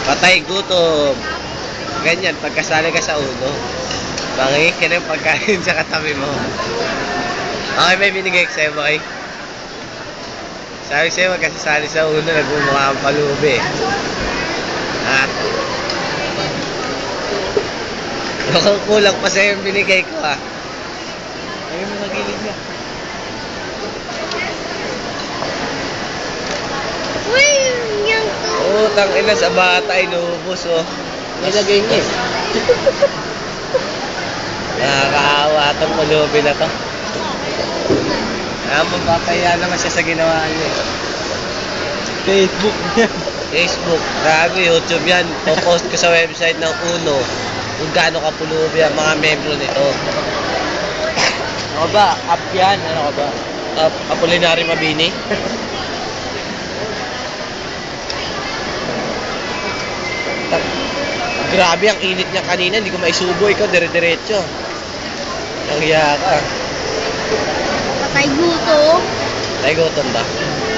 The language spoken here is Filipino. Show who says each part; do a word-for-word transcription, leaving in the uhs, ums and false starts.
Speaker 1: Patay gutom. Ganyan, pagkasali ka sa uno, mangingin ka ng pagkain sa katabi mo. Okay, may binigay ko sa'yo, boy. Sabi sa'yo, magkasasali sa uno, nagmumukha ang palubi. Ha? Mukhang kulang pa sa'yo yung binigay ko, ha? Ayun mo sa gilid niya.
Speaker 2: Uy, yung to.
Speaker 1: Oo, tangina sa bata, inuubos, oh.
Speaker 3: Nilagay niya eh.
Speaker 1: Nakakaawa itong pulubi na to. Ah, magpapaya naman siya sa ginawa niya.
Speaker 3: Facebook niya.
Speaker 1: Facebook, grabe, YouTube yan. Popost ko sa website ng Uno kung gaano kapulubi ang mga membro nito.
Speaker 3: Ano ka ba? App yan. Ano ka ba?
Speaker 1: Uh, Apolinary Mabini. Ta- Grabe, ang init niya kanina. Hindi ko maisubo. Ikaw, dire-diretso. Ang hiya ka.
Speaker 2: Patay gutom.
Speaker 1: Ay, gutom ba?